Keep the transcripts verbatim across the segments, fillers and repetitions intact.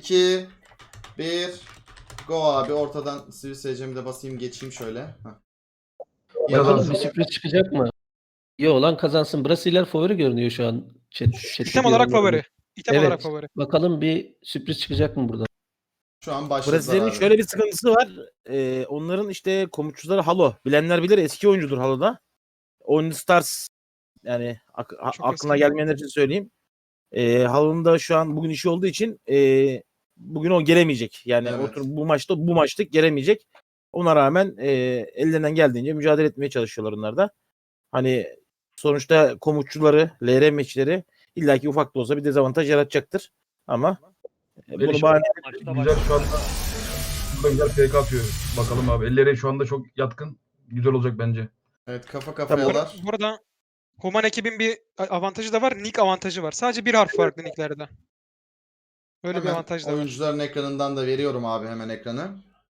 iki, bir. Go abi, ortadan sivil seyircimi de basayım, geçeyim şöyle. Heh. Bakalım bir sürpriz çıkacak mı? İyi olan kazansın. Brasiler favori görünüyor şu an. Chat, İtem olarak favori. İtem evet. olarak favori. Bakalım bir sürpriz çıkacak mı burada? Şu an başladılar Brezilya'nın abi. şöyle bir sıkıntısı var. Ee, onların işte komutçuları Halo. Bilenler bilir, eski oyuncudur Halo'da. Oyun Stars, yani ak- a- Çok aklına eski. gelmeyenler için söyleyeyim. Ee, Halo'nun da şu an bugün işi olduğu için e, bugün o gelemeyecek. Yani Evet. otur bu maçta bu maçlık gelemeyecek. Ona rağmen e, ellerinden geldiğince mücadele etmeye çalışıyorlar onlar da. Hani sonuçta komutçuları, L R meçleri illaki ufak da olsa bir dezavantaj yaratacaktır. Ama e, bunu bahane Güzel şu anda burada güzel F K atıyor. Bakalım abi. Elleri şu anda çok yatkın. Güzel olacak bence. Evet, kafa Bu, kafayalar. bu arada Human ekibin bir avantajı da var. Nick avantajı var. Sadece bir harf farklı nicklerde. Öyle bir Hemen avantaj da var. oyuncuların ekranından da veriyorum abi, hemen ekranı.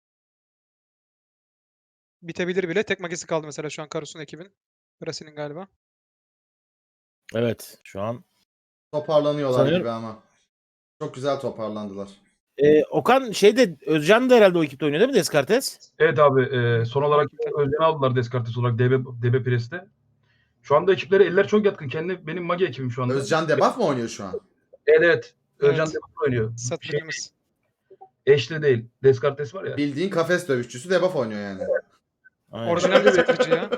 Bitebilir bile. Tek magisi kaldı mesela şu an Karus'un ekibin. Brasil'in galiba. evet şu an Toparlanıyorlar Sanıyorum- gibi ama. Çok güzel toparlandılar. Ee, Okan şeyde Özcan da herhalde o ekipte oynuyor değil mi Descartes? Evet abi. E, son olarak Özden'i aldılar Descartes olarak D B, D B Press'te. Şu anda ekipleri eller çok yatkın. Kendi benim Magi ekibim şu anda. Özcan debuff mı oynuyor şu an? Evet evet. Özcan Evet. debuff oynuyor. Şey, Satıcımız. eşli değil. Descartes var ya. Bildiğin kafes dövüşçüsü debuff oynuyor yani. Aynen. Orijinal bir satıcı ya.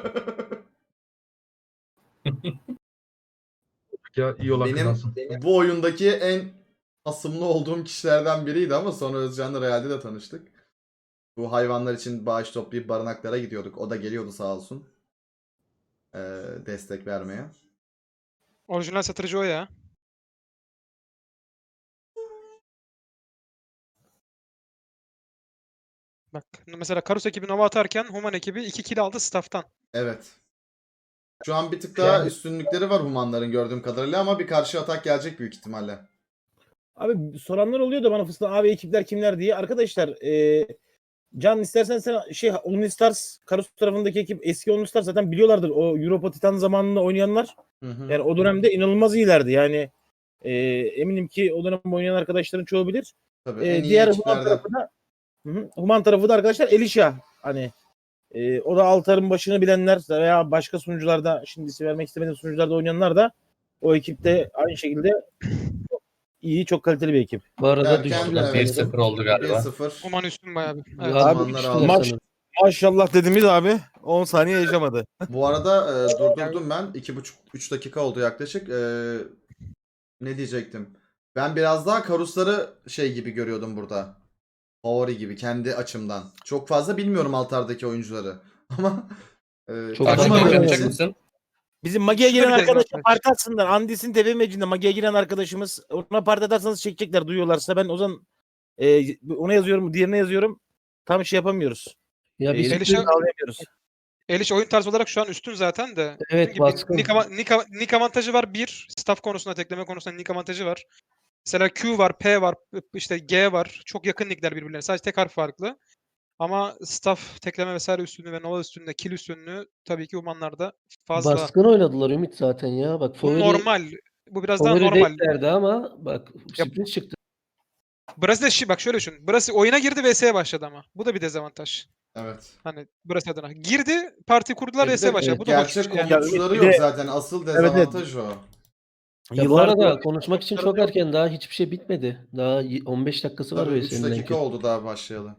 Ya iyi olan Benim kazansın. bu oyundaki en asımlı olduğum kişilerden biriydi ama sonra Özcan'la realde de tanıştık. Bu hayvanlar için bağış toplayıp barınaklara gidiyorduk. O da geliyordu sağ olsun. Ee, destek vermeye. Orijinal satıcı o ya. Bak mesela Karus ekibi Nova atarken Human ekibi iki kill aldı staff'tan. Evet. Şu an bir tık daha Yani- üstünlükleri var Humanların gördüğüm kadarıyla ama bir karşı atak gelecek büyük ihtimalle. Abi soranlar oluyor da bana fıstığa abi ekipler kimler diye. Arkadaşlar e, Can istersen sen şey Only Stars Karus tarafındaki ekip eski Only Stars zaten biliyorlardır. O Europa Titan zamanında oynayanlar. Hı hı. Yani o dönemde inanılmaz iyilerdi. Yani e, eminim ki o dönem oynayan arkadaşların çoğu bilir. Tabii, E, en iyi diğer Human ekiplerden. tarafı da Hı hı. Human tarafı da arkadaşlar Elisha. Hani e, o da Altar'ın başını bilenler veya başka sunucularda şimdi isim vermek istemediğim sunucularda oynayanlar da o ekipte aynı şekilde çok iyi, çok kaliteli bir ekip. Bu arada Derken, düştüler evet. bir sanırım. sıfır oldu bir galiba. sıfır. Human üstün bayağı bir. Evet. Abi Humanlar düştüler aldı. Maç- sanırım. Maşallah dediğimiz abi on saniye yaşamadı. Bu arada e, durdurdum ben. iki buçuk üç dakika oldu yaklaşık. E, ne diyecektim? Ben biraz daha Karusları şey gibi görüyordum burada. Favori gibi kendi açımdan. Çok fazla bilmiyorum altardaki oyuncuları. Ama e, Çok tanımadığım fazla yapacak için- mısın? Bizim Magi'ye Şurada giren bir arkadaşlar dezavantaj. parti atsınlar. Andis'in T V mecinde Magi'ye giren arkadaşımız. Ona parti atarsanız çekecekler duyuyorlarsa. Ben o zaman e, ona yazıyorum, diğerine yazıyorum. Tam şey yapamıyoruz. Ya bir E, sürpriz, Elisha- sağlayamıyoruz. Eliş oyun tarzı olarak şu an üstün zaten de. evet Dediğim gibi baskın. Nick, ava- Nick, av- Nick avantajı var bir. Staff konusunda, tekleme konusunda Nick avantajı var. Mesela Q var, P var, işte G var. Çok yakın nickler birbirlerine. Sadece tek harf farklı. Ama staff, tekleme vesaire üstünlüğü ve Nova üstünlüğü, kill üstünlüğü tabii ki Humanlarda fazla. Baskın oynadılar Ümit zaten ya. Bak Bu favori, normal. Bu biraz daha favori normal. deklerdi ama bak sürpriz çıktı. Brezilya şi- bak şöyle düşün. Brezilya oyuna girdi V S'ye başladı ama. Bu da bir dezavantaj. Evet. Hani Brezilya adına. Girdi, parti kurdular, E bir V S'ye de başladı. Bu da hoş. gerçek Yani komutçuları bir de- yok zaten. Asıl evet. dezavantaj o. Ya bu Yıllardır- arada konuşmak için çok erken, daha hiçbir şey bitmedi. Daha y- on beş dakikası var Tabii V üç S'nin dakika belki. oldu daha başlayalı.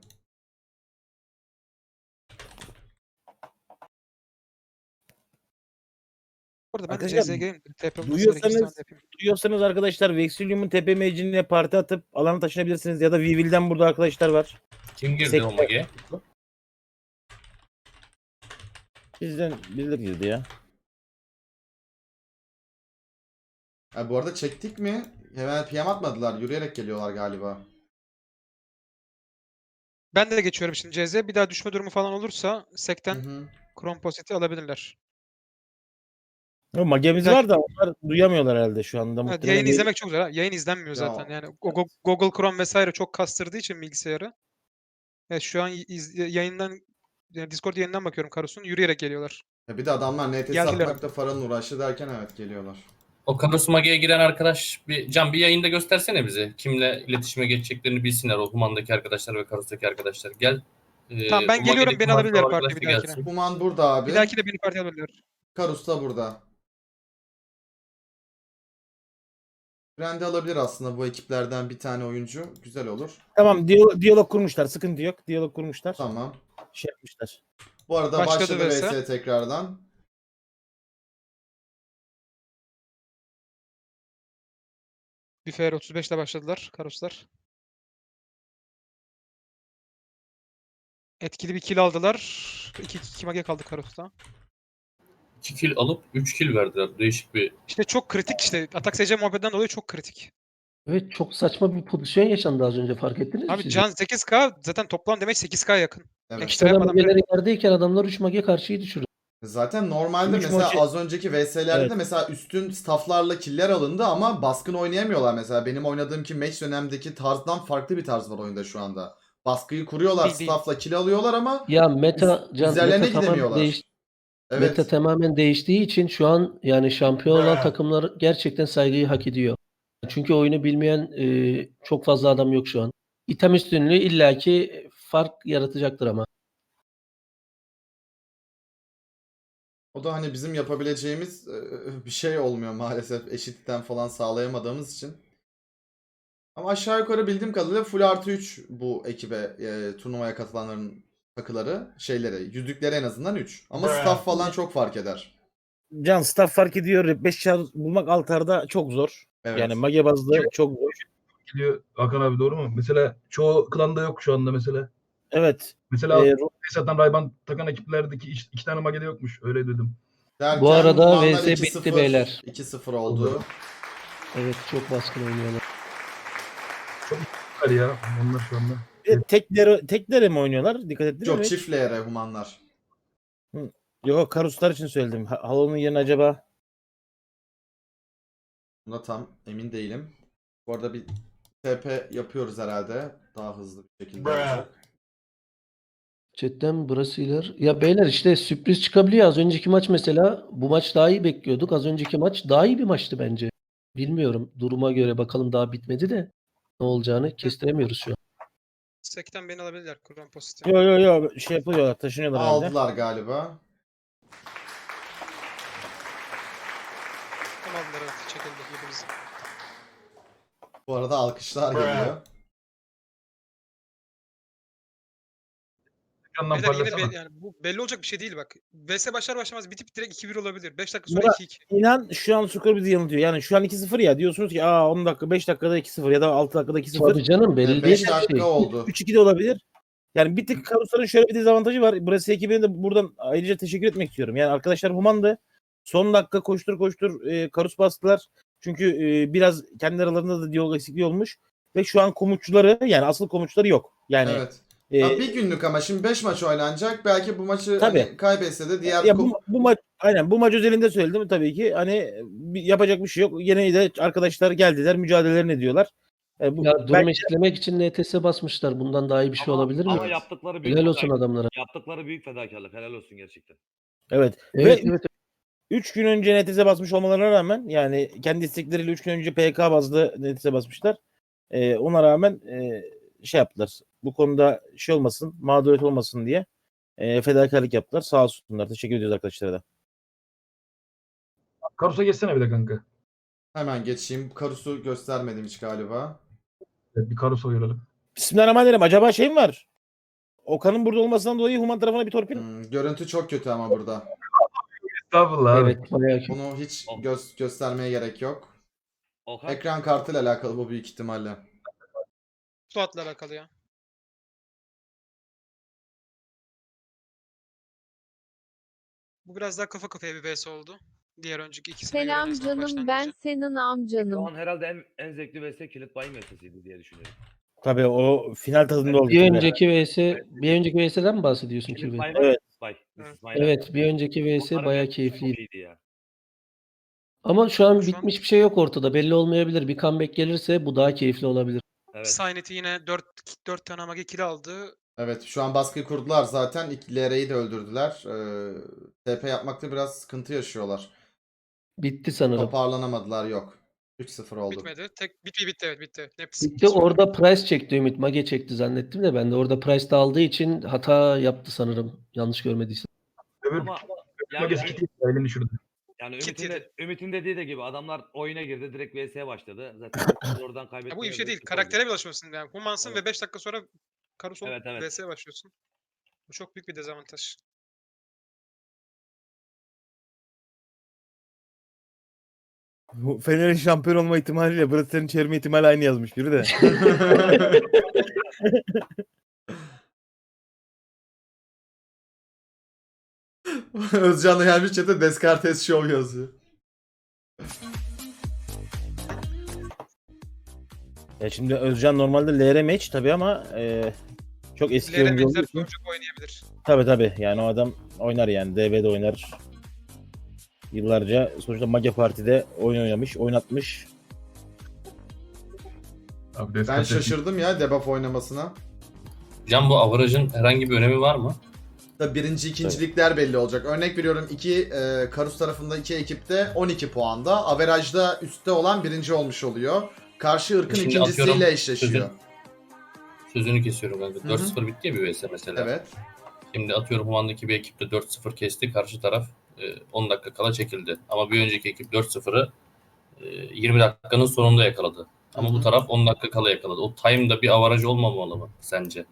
Burada ben Arkadaşlar, C Z G'yim. T P olması duyuyorsanız- gerekirse ben de yapayım. Duyuyorsanız arkadaşlar Vexilium'un tepe meclisine parti atıp alana taşınabilirsiniz ya da Vivil'den burada arkadaşlar var. Kim girdi Sekte. o Magi'ye? Bizden birileri girdi ya. Ha, bu arada çektik mi? Hemen P M atmadılar. Yürüyerek geliyorlar galiba. Ben de geçiyorum şimdi C Z. Bir daha düşme durumu falan olursa Hı Sekten hı. Kromposit'i alabilirler. O magemiz Belki- var da onlar duyamıyorlar herhalde şu anda. Evet, Muhtemelen yayın değil. izlemek çok güzel. ha. Yayın izlenmiyor Ya- zaten. Yani Google, Google Chrome vesaire çok kastırdığı için bilgisayarı. Evet, şu an iz- yayından yani Discord yayından bakıyorum Karus'un. Yürüyerek geliyorlar. Ya bir de adamlar N T S Geldiler. atmakta Fara'nın uğraşı derken evet geliyorlar. O Karus Magi'ye giren arkadaş bir Can bir yayında göstersene bize. Kimle iletişime geçeceklerini bilsinler o Human'daki arkadaşlar ve Karus'taki arkadaşlar. Gel. Ee, Tamam ben bu geliyorum, Magi'deki beni alabilirler Human'daki partiye bir arkadaş da dahakine. gelsin. Human burada abi. Bir dahaki de beni partiye alabilirler. Karus da burada. Randy alabilir aslında bu ekiplerden bir tane oyuncu. Güzel olur. Tamam diyalog, diyalog kurmuşlar. Sıkıntı yok. Diyalog kurmuşlar. Tamam. Şey yapmışlar. Bu arada Başladı başladı, V S. V S tekrardan. Bir F R otuz beş ile başladılar Karuslar. Etkili bir kill aldılar. iki iki mage kaldı Karus'ta. iki kill alıp üç kill verdiler. Değişik bir İşte çok kritik işte. Atak S C muhabbetinden dolayı çok kritik. Evet çok saçma bir pozisyon yaşandı az önce fark ettiniz mi Abi siz? can sekiz K zaten toplam demek sekiz K yakın. Evet. Ekstra Adam yapmadan bile- mageleri yerdeyken adamlar üç mage karşıyı düşürdü. Zaten normalde Üç mesela maçı- az önceki V S'lerde Evet. de mesela üstün stafflarla killer alındı ama baskın oynayamıyorlar mesela. Benim oynadığım ki match dönemdeki tarzdan farklı bir tarz var oyunda şu anda. Baskıyı kuruyorlar, Değil, değil. staffla kill alıyorlar ama Ya meta can üzerlerine meta tamamen gidemiyorlar. değiş, Evet. meta tamamen değiştiği için şu an yani şampiyon olan takımlar gerçekten saygıyı hak ediyor. Çünkü oyunu bilmeyen e, çok fazla adam yok şu an. İtem üstünlüğü illaki fark yaratacaktır ama. O da hani bizim yapabileceğimiz e, bir şey olmuyor maalesef eşitten falan sağlayamadığımız için. Ama aşağı yukarı bildiğim kadarıyla full artı üç bu ekibe e, turnuvaya katılanların takıları, şeyleri, yüzükleri en azından üç. Ama staff falan çok fark eder. Can staff fark ediyor. beş çar bulmak altarda çok zor. Evet. Yani mage bazlı çok zor. Gidiyor Hakan abi, doğru mu? Mesela çoğu klanda yok şu anda mesela. Evet. Mesela Ee, e, satan Rayban takan ekiplerdeki iki, iki tane magede yokmuş. Öyle dedim. Derken Bu arada Humanlar V S iki bitti sıfır, beyler. iki sıfır oldu. Evet çok baskın oynuyorlar. Var ya onlar şu anda. e, teklere, teklere mi oynuyorlar? Dikkat ettiniz Yok mi? çift L R Humanlar. Yok Karuslar için söyledim. Ha- Halo'nun yerine acaba Buna tam emin değilim. Bu arada bir T P yapıyoruz herhalde. Daha hızlı bir şekilde olacak. Chatten Brasiler. Ya beyler işte sürpriz çıkabiliyor. Az önceki maç mesela bu maç daha iyi bekliyorduk. Az önceki maç daha iyi bir maçtı bence. Bilmiyorum. Duruma göre bakalım daha bitmedi de ne olacağını kestiremiyoruz şu an. Sekten beni alabilirler Kurban pozitif. Yo yo yo şey yapıyorlar, taşınıyorlar herhalde. Aldılar galiba. Tamam aldılar evet çekildi hepimiz. Bu arada alkışlar geliyor. Yandan Beyler yine parlasana. be- yani bu belli olacak bir şey değil bak. V S başlar başlamaz bitip direkt iki bir olabilir. beş dakika Murat- sonra iki iki. İnan şu an skor bizi yanıltıyor. Yani şu an iki sıfır ya diyorsunuz ki aa on dakika beş dakikada iki sıfır ya da altı dakikada iki sıfır. Tabii canım belli değil beş bir dakika şey. oldu. üç iki de olabilir. Yani bir tık Karusların şöyle bir dezavantajı var. Burası ekibine de buradan ayrıca teşekkür etmek istiyorum. Yani arkadaşlar Human'dı. Son dakika koştur koştur e, Karus bastılar. Çünkü e, biraz kendi aralarında da diyalog eksikliği olmuş. Ve şu an komutçuları yani asıl komutçuları yok. Yani Evet. e, Ya bir günlük ama şimdi beş maç oynanacak. Belki bu maçı Tabii. hani kaybetse de diğer ya kup- bu, bu maç aynen bu maç özelinde söyledim tabii ki. Hani bir- yapacak bir şey yok. Yine de arkadaşlar geldiler, mücadelelerini ediyorlar. E, bu, Ya durum belki- eşitlemek için N T S basmışlar. Bundan daha iyi bir şey Ama- olabilir mi? Ama Evet. yaptıkları büyük Helal olsun fedakarlık. adamlara. Yaptıkları büyük fedakarlık. Helal olsun gerçekten. evet. Evet Ve evet. üç gün önce N T S basmış olmalarına rağmen yani kendi istekleriyle üç gün önce P K bazlı N T S basmışlar. E, ona rağmen e, şey yaptılar. Bu konuda şey olmasın, mağduriyet olmasın diye e, fedakarlık yaptılar. Sağ olsunlar. Teşekkür ediyoruz arkadaşlara da. Karus'a geçsene bir de kanka. hemen geçeyim. Karus'u göstermedim hiç galiba. Evet, bir Karus'a görelim. Bismillahirrahmanirrahim. Acaba şey mi var? Okan'ın burada olmasından dolayı Human tarafına bir torpil. Hmm, görüntü çok kötü ama burada. Estağfurullah abi. Evet bayağı kötü. Bunu hiç göz göstermeye gerek yok. Okan, Ekran kartıyla alakalı bu büyük ihtimalle. Suat'la alakalı ya. Bu biraz daha kafa kafaya bir V S oldu. Diğer önceki ikisine göre en Selam azından canım, ben başlangıcı. senin şu amcanım. an herhalde en, en zevkli V S kilit bayım V S'siydi diye düşünüyorum. Tabii o final tadında oldu. Bir önceki V S, bir önceki V S'den mi bahsediyorsun Kilit Kirby? bay var Evet. ya, bay. Evet. Evet, bir önceki V S Onların bayağı V S'si keyifliydi. çok iyiydi ya. Ama şu an Şu an- bitmiş bir şey yok ortada. Belli olmayabilir. Bir comeback gelirse bu daha keyifli olabilir. Evet. Sainet'i yine dört dört tane mage kill aldı. Evet şu an baskıyı kurdular zaten. İlk L R'yi de öldürdüler. Ee, T P yapmakta biraz sıkıntı yaşıyorlar. Bitti sanırım. Toparlanamadılar yok. üç sıfır oldu. Bitmedi. Tek bitti bitti evet bitti. Hepsi Bitti orada Price çekti Ümit. Mage çekti zannettim de ben de orada Price de aldığı için hata yaptı sanırım. Yanlış görmediysem. Öbür Ama yani, magesi gitti. Elini düşürdü. yani Kit Ümit'in, yedi. de, Ümit'in dediği de gibi adamlar oyuna girdi direkt V S'ye başladı. Zaten oradan Ya kaybettiler. bu iyi bir şey de değil. sıfır oldu. Karaktere bir alışmasın yani. Humansın Evet. ve beş dakika sonra Karus olup Evet, evet. V S'ye başlıyorsun. Bu çok büyük bir dezavantaj. Bu Fener'in şampiyon olma ihtimaliyle Brasser'in çevirme ihtimali aynı yazmış biri de. Özcan da gelmiş chat'e Descartes Show yazıyor. Ya şimdi Özcan normalde L R match tabii ama e, çok eski İleri oyuncu olduğu benzer için. çocuk oynayabilir. Tabii tabii yani o adam oynar yani D B'de oynar. Yıllarca sonuçta Mage Parti'de oyun oynamış, oynatmış. Abi Ben Descartes- şaşırdım ya debuff oynamasına. Can bu averajın herhangi bir önemi var mı? Tabii birinci, ikincilikler belli olacak. Örnek veriyorum iki e, Karus tarafında iki ekipte on iki puanda. Averajda üstte olan birinci olmuş oluyor. Karşı ırkın Şimdi ikincisiyle atıyorum, eşleşiyor. Sözünü kesiyorum kanka. Hı hı. dört sıfır bitti ya bir V S mesela. Evet. Şimdi atıyorum Human'daki bir ekipte dört sıfır kesti. Karşı taraf e, on dakika kala çekildi. Ama bir önceki ekip dört sıfırı e, yirmi dakikanın sonunda yakaladı. Ama Hı hı. bu taraf on dakika kala yakaladı. O time'da bir avaraj olmamalı mı sence?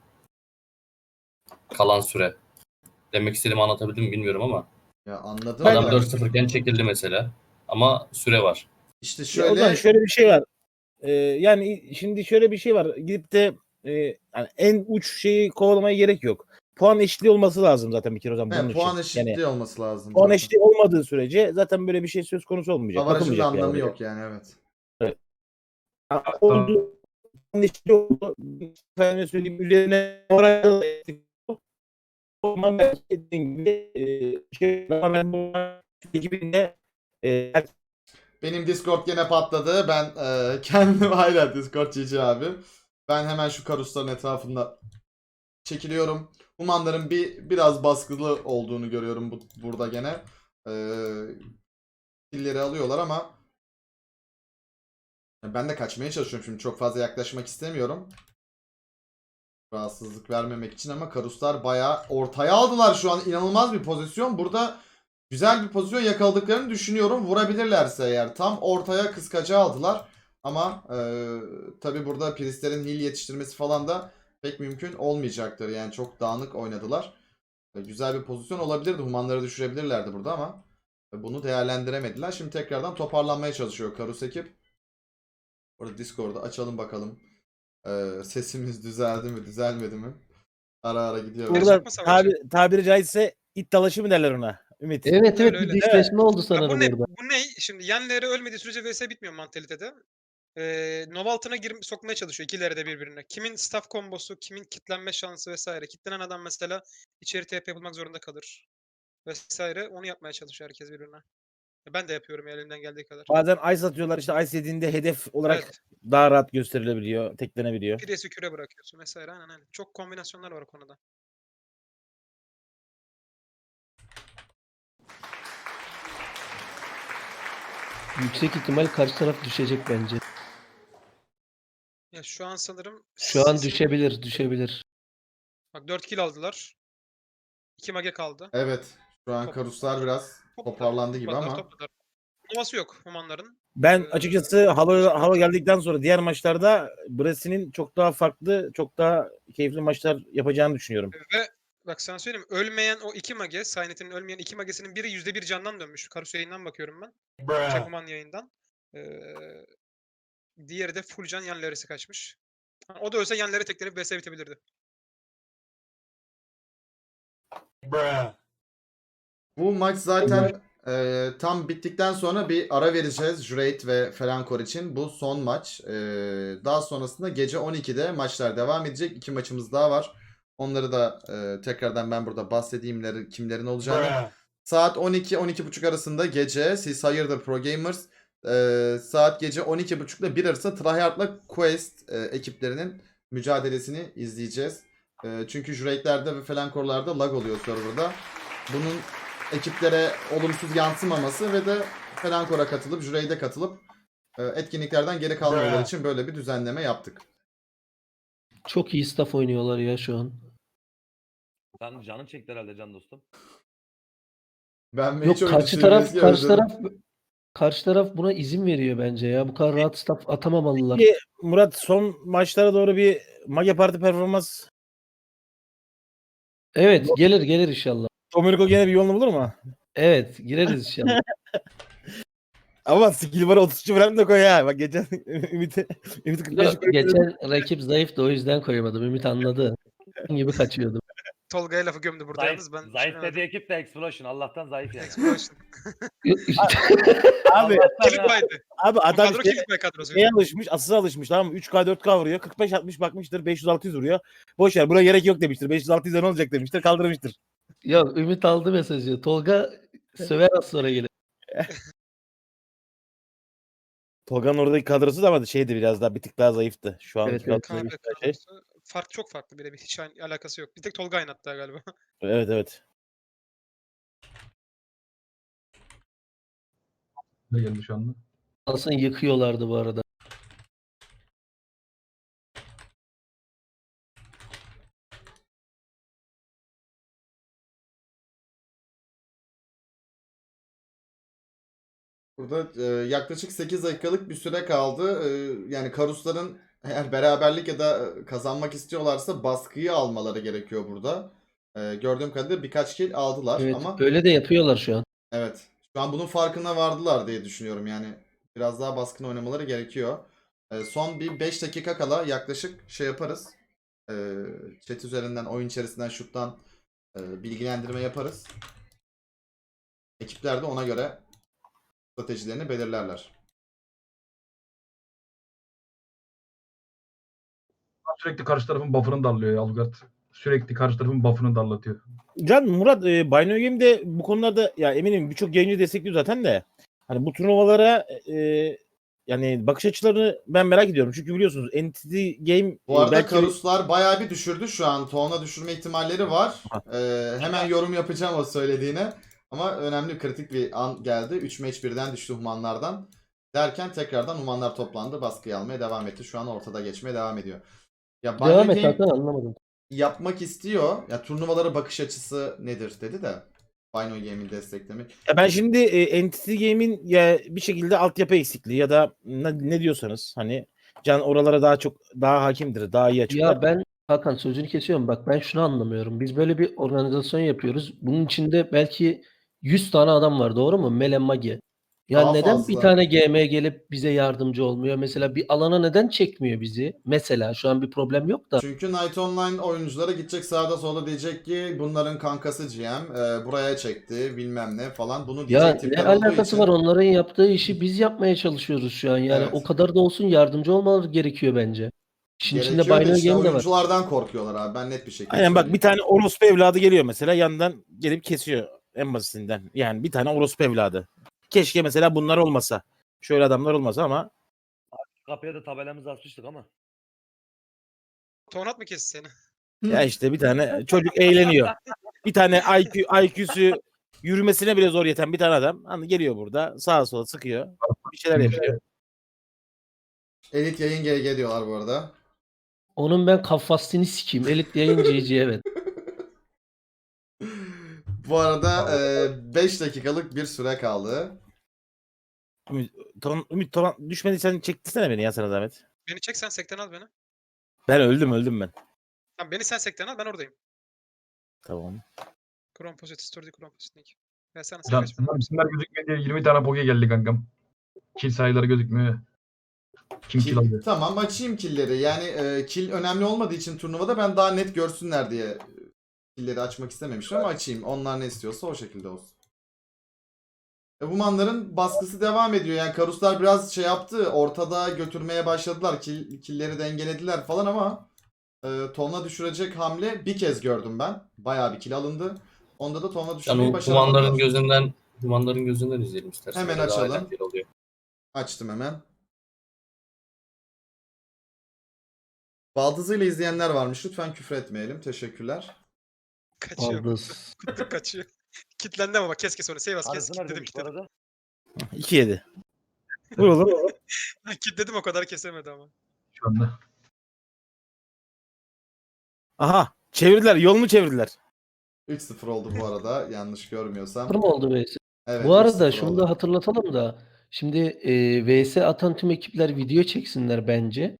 Kalan süre. Demek istediğimi anlatabildim mi bilmiyorum ama. Ya anladım. Ben- Adam da. dört sıfır iken çekildi mesela. Ama süre var. İşte Ya o zaman şöyle şöyle bir şey var. Ee, yani şimdi şöyle bir şey var. Gidip de e, yani en uç şeyi kovalamaya gerek yok. Puan eşitliği olması lazım zaten bir kere o zaman he, bunun puan için. eşitliği Yani olması lazım. puan zaten. eşitliği olmadığı sürece zaten böyle bir şey söz konusu olmayacak. Avarajın da Bakılmayacak yani anlamı oraya. yok yani evet. Ha, oldu. Puan eşitliği oldu. Efendime söyleyeyim üzerine oraya o zaman belki dediğin gibi e, şey ama ben bu ekibinde e, Benim Discord gene patladı. Ben e, kendim hala Discord G G abi. Ben hemen şu karusların etrafında çekiliyorum. Humanların bir biraz baskılı olduğunu görüyorum bu, burada gene. Ee, killeri alıyorlar ama ben de kaçmaya çalışıyorum şimdi. Çok fazla yaklaşmak istemiyorum. Rahatsızlık vermemek için ama karuslar bayağı ortaya aldılar şu an. İnanılmaz bir pozisyon. Burada güzel bir pozisyon yakaladıklarını düşünüyorum. Vurabilirlerse eğer. Tam ortaya kıskacı aldılar. Ama e, tabi burada Priestlerin heal yetiştirmesi falan da pek mümkün olmayacaktır. Yani çok dağınık oynadılar. E, güzel bir pozisyon olabilirdi. Humanları düşürebilirlerdi burada ama bunu değerlendiremediler. Şimdi tekrardan toparlanmaya çalışıyor Karus ekip. Orada Discord'u açalım bakalım. Ee, sesimiz düzeldi mi, düzelmedi mi? Ara ara gidiyor. Burada- burada Yapma savaşı. tabi, tabiri caizse it dalaşı mı derler ona? Ümit. Evet evet Öyle, bir öyle. dişleşme oldu Ya sanırım bu ne? orada. Bu ne? Şimdi yenleri ölmediği sürece V S bitmiyor mantalitede. Ee, Nova altına girip sokmaya çalışıyor ikileri de birbirine. Kimin staff kombosu, kimin kitlenme şansı vesaire. Kitlenen adam mesela içeri T P yapılmak zorunda kalır. Vesaire. Onu yapmaya çalışıyor herkes birbirine. Ben de yapıyorum ya, elimden geldiği kadar. Bazen ice atıyorlar işte ice yediğinde hedef olarak Evet. daha rahat gösterilebiliyor, teklenebiliyor. Piresi küre bırakıyorsun vesaire. Aynen aynen. Çok kombinasyonlar var o konuda. Yüksek ihtimal karşı taraf düşecek bence. Ya şu an sanırım Şu an sizin- düşebilir, düşebilir. Bak dört kill aldılar. iki mage kaldı. Evet. Şu an Top- karuslar biraz toparlandı gibi Topladılar, ama. topladılar. Novası yok Humanların. Ben Ee, açıkçası hava hava geldikten sonra diğer maçlarda Brasi'nin çok daha farklı, çok daha keyifli maçlar yapacağını düşünüyorum. Ve bak sana söyleyeyim, ölmeyen o iki mage, Saynet'in ölmeyen iki magesinin biri yüzde bir candan dönmüş. Karus yayından bakıyorum ben. Şey, Human yayından. Ee, diğeri de full can, yan leresi kaçmış. Ha, o da ölse yanları teklenip V S bitebilirdi. Bu maç zaten e, tam bittikten sonra bir ara vereceğiz Jureit ve Felankor için. Bu son maç. E, daha sonrasında gece on ikide maçlar devam edecek. İki maçımız daha var. Onları da e, tekrardan ben burada bahsedeyim kimlerin olacağını. Saat on iki on iki buçuk arasında gece siz hayırdır Pro Gamers. E, saat gece on iki buçuk ile bir arası Tryhard'la Quest e, ekiplerinin mücadelesini izleyeceğiz. E, çünkü Jureit'lerde ve Felankor'larda lag oluyor serverda. Bunun ekiplere olumsuz yansımaması ve de Felankor'a katılıp, Jürey'de katılıp e, etkinliklerden geri kalmaları için böyle bir düzenleme yaptık. Çok iyi staff oynuyorlar ya şu an. Sen canın çekti herhalde can dostum. Ben Yok hiç karşı taraf karşı taraf karşı taraf buna izin veriyor bence ya. Bu kadar rahat staff atamamalılar. Peki Murat, son maçlara doğru bir Mage Parti performans, Evet gelir gelir inşallah. Domenico gene bir yolunu bulur mu? Evet gireriz inşallah. Ama skill var otuz üç falan da koy ha. Bak geçen Ümit'i Ümit'i kırk beş Yok, geçen rakip zayıftı o yüzden koymadım. Ümit anladı. gibi kaçıyordum. Tolga'ya lafı gömdü burada Zayıf, yalnız ben zayıf düşünemedim. dediği ekip de Explosion. Allah'tan zayıf yani. Explosion. Abi Allah'tan Kilit ya. baydı. abi Bu adam kadro şey, kilit bay kadrosu. şeye alışmış, asıza alışmış, tamam mı? üç K dört K vuruyor. kırk beş altmış bakmıştır. beş yüz altı yüz vuruyor. Boş ver, buna gerek yok demiştir. beş yüz altı yüz'e ne olacak demiştir. Kaldırmıştır. Yok Ümit aldı mesajı. Tolga söver az sonra gelir. Tolga'nın oradaki kadrosu da ama şeydi, biraz daha bir tık daha zayıftı. Şu an Evet, evet. Kaan ve şey. kadrosu fark çok farklı birebir. Hiç aynı alakası yok. Bir tek Tolga aynı hatta galiba. Evet evet. Ne geldi şu anda? Aslında yıkıyorlardı bu arada. Burada e, yaklaşık sekiz dakikalık bir süre kaldı. E, yani Karusların eğer beraberlik ya da e, kazanmak istiyorlarsa baskıyı almaları gerekiyor burada. E, gördüğüm kadarıyla birkaç kill aldılar Evet ama öyle de yapıyorlar şu an. evet. Şu an bunun farkına vardılar diye düşünüyorum. Yani biraz daha baskın oynamaları gerekiyor. E, son bir beş dakika kala yaklaşık şey yaparız. E, chat üzerinden, oyun içerisinden, şuttan e, bilgilendirme yaparız. Ekipler de ona göre stratejilerini belirlerler. Sürekli karşı tarafın buff'ını darlıyor ya Algard. Sürekli karşı tarafın buff'ını darlatıyor. Can, Murat, e, Binary Game'de bu konularda ya eminim birçok yayıncı destekliyor zaten de. Hani bu turnuvalara e, yani bakış açılarını ben merak ediyorum. Çünkü biliyorsunuz Entity Game Bu e, arada belki Karuslar bayağı bir düşürdü şu an. Tonla düşürme ihtimalleri var. Aha. Ee, hemen yorum yapacağım o söylediğine. Ama önemli kritik bir an geldi. üç match birden düştü Humanlardan. Derken tekrardan Humanlar toplandı. Baskıyı almaya devam etti. Şu an ortada geçmeye devam ediyor. Ya Devam Binary et Game Hakan anlamadım. yapmak istiyor. Ya turnuvalara bakış açısı nedir dedi de. Binary Game'in desteklemi. Ya ben şimdi e, Entity Game'in ya bir şekilde altyapı eksikliği ya da ne, ne diyorsanız hani Can oralara daha çok daha hakimdir, daha iyi açıklar. Ya ben Hakan sözünü kesiyorum. Bak ben şunu anlamıyorum. Biz böyle bir organizasyon yapıyoruz. Bunun içinde belki yüz tane adam var doğru mu? Mele Magi. Ya Daha neden fazla. bir tane G M gelip bize yardımcı olmuyor? Mesela bir alana neden çekmiyor bizi? Mesela şu an bir problem yok da. Çünkü Night Online oyunculara gidecek sağda solda diyecek ki bunların kankası G M e, buraya çekti bilmem ne falan. Bunu Ya diyecek ne tipler olduğu alakası için. var? Onların yaptığı işi biz yapmaya çalışıyoruz şu an. Yani Evet. o kadar da olsun yardımcı olmaları gerekiyor bence. İşin içinde Gerekiyor da Binary işte Game de var. oyunculardan korkuyorlar abi. Ben net bir şekilde Aynen bak, söyleyeyim. bir tane orospu evladı geliyor mesela, yandan gelip kesiyor en basitinden. Yani bir tane orospu evladı. Keşke mesela bunlar olmasa. Şöyle adamlar olmasa ama Kapıya da tabelamızı asmıştık ama. Tonat mı kesti seni? ya işte bir tane çocuk eğleniyor. Bir tane I Q, I Q'su yürümesine bile zor yeten bir tane adam hani geliyor burada sağa sola sıkıyor. Bir şeyler yapıyor. Elit yayın G G diyorlar bu arada. Onun ben kafasını sikeyim. Elit yayıncıyıcı evet. Bu arada beş dakikalık bir süre kaldı. Ümit, tamam, Ümit tamam, düşmediysen çektirsene beni ya, sana zahmet. Beni çek sen sekten al beni. Ben öldüm öldüm ben. Tamam beni sen sekten al ben oradayım. Tamam. Kron Posit, Story Kron Posit Link. Ya sen Can kaç ben isimler, isimler gözükmüyor diye yirmi tane poke geldi kankam. Kill sayıları gözükmüyor. Kim kill Kill- alıyor? tamam açayım killleri. Yani e, kill önemli olmadığı için turnuvada ben daha net görsünler diye killleri açmak istememiştim ama açayım. Onlar ne istiyorsa o şekilde olsun. E, Humanların baskısı devam ediyor. Yani Karuslar biraz şey yaptı. Ortada götürmeye başladılar. Kill, killleri dengelediler falan ama e, tonla düşürecek hamle bir kez gördüm ben. Bayağı bir kill alındı. Onda da tonla düşürmeyi Yani başaramadılar. Humanların gözünden Humanların gözünden izleyelim istersen. Hemen Öyle daha açalım. eğlenceli oluyor. Açtım hemen. Baldızıyla izleyenler varmış. Lütfen küfür etmeyelim. Teşekkürler. Kaçıyor. Baldız. Kutluk kaçıyor. Kitlendi ama bak keşke sonra. Save as kes Karısı kitledim neredeymiş bu kitledim. arada? iki yedi. Vur oğlum. Kitledim o kadar kesemedi ama. Şu anda. Aha. Çevirdiler. Yolunu çevirdiler. üç sıfır oldu bu arada yanlış görmüyorsam. Sıfır mı oldu V S? Evet, Bu üç arada sıfır şunu oldu. da hatırlatalım da şimdi e, V S atan tüm ekipler video çeksinler bence.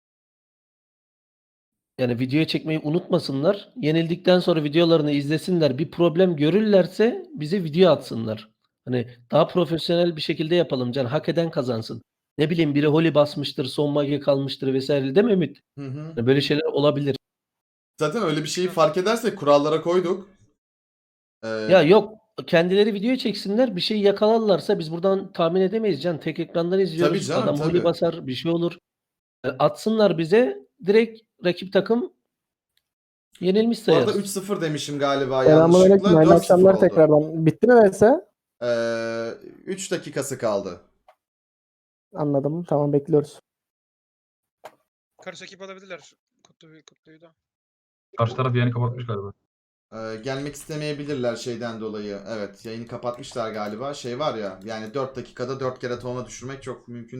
Yani video çekmeyi unutmasınlar. Yenildikten sonra videolarını izlesinler. Bir problem görürlerse bize video atsınlar. Hani daha profesyonel bir şekilde yapalım. Can hak eden kazansın. Ne bileyim biri Holy basmıştır, son mage kalmıştır vesaire değil mi Ümit? Hı hı. Yani böyle şeyler olabilir. Zaten öyle bir şeyi fark edersek kurallara koyduk. Ee, Ya yok kendileri video çeksinler. Bir şey yakalarlarsa biz buradan tahmin edemeyiz Can. Tek ekrandan izliyoruz. Tabii canım, Adam Holy tabii. basar bir şey olur. E, Atsınlar bize direkt rakip takım yenilmiş bu arada sayarız. üç sıfır demişim galiba Selamünaleyküm. yanlışlıkla. Hayırlı dört sıfır akşamlar oldu. tekrardan. Bitti mi V S? Ee, üç dakikası kaldı. Anladım. Tamam bekliyoruz. Karış ekip alabilirler. Kutlu, kutluyu da. Karşı taraf yayını kapatmış galiba. Ee, gelmek istemeyebilirler şeyden dolayı. Evet, yayını kapatmışlar galiba. Şey var ya, yani dört dakikada dört kere tona düşürmek çok mümkün